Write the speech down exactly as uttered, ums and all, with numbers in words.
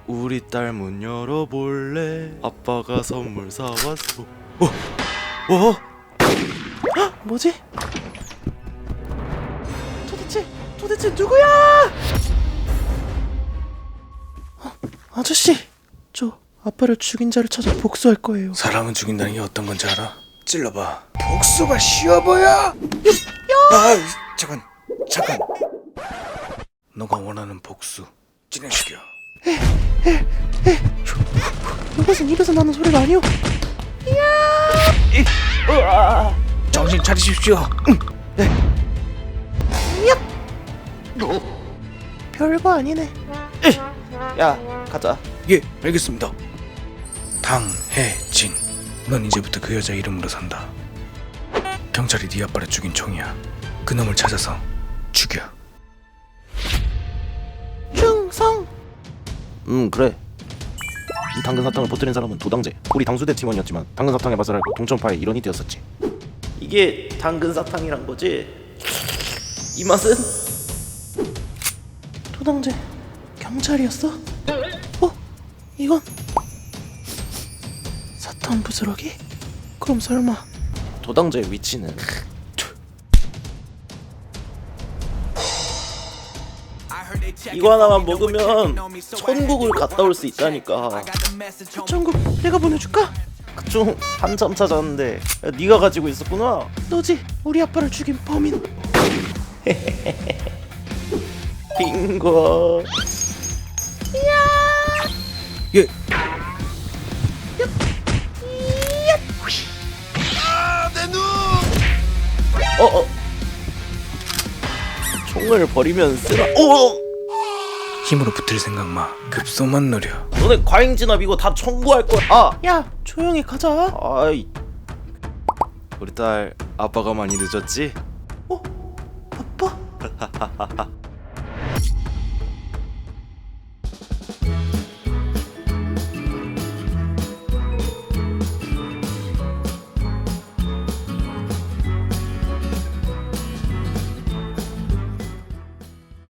우리 딸 문 열어볼래? 아빠가 선물 사왔어. 어? 어? 헉, 뭐지? 도대체 도대체 누구야? 어, 아저씨, 저 아빠를 죽인 자를 찾아 복수할 거예요. 사람은 죽인다는 게 어떤 건지 알아? 찔러봐. 복수가 쉬워 보여. 아, 잠깐, 잠깐. 너가 원하는 복수 진행시켜. 이것은 입에서 나는 소리가 아니오. 정신 차리십시오. 별거 아니네. 야, 가자. 예, 알겠습니다. 당해진. 넌 이제부터 그 여자 이름으로 산다. 경찰이 네 아빠를 죽인 총이야. 그 놈을 찾아서 죽여. 충성. 음, 그래. 이 당근 사탕을 퍼뜨린 사람은 도당제. 우리 당수대 팀원이었지만 당근 사탕의 맛을 알고 동천파의 일원이 되었었지. 이게 당근 사탕이란 거지? 이 맛은? 도당제 경찰이었어? 어? 이건 사탕 부스러기? 그럼 설마 도당제의 위치는? 이거 하나만 먹으면 천국을 갔다 올 수 있다니까. 그 천국 내가 보내줄까? 그중 한참 찾았는데 야, 네가 가지고 있었구나. 너지 우리 아빠를 죽인 범인. 빙고. 예. 어어. 총을 버리면 쓰나? 오! 힘으로 붙을 생각 마. 급소만 노려. 너네 과잉 진압 이거 다 청구할 거야. 아, 야, 조용히 가자. 아이, 우리 딸 아빠가 많이 늦었지? 어? 아빠?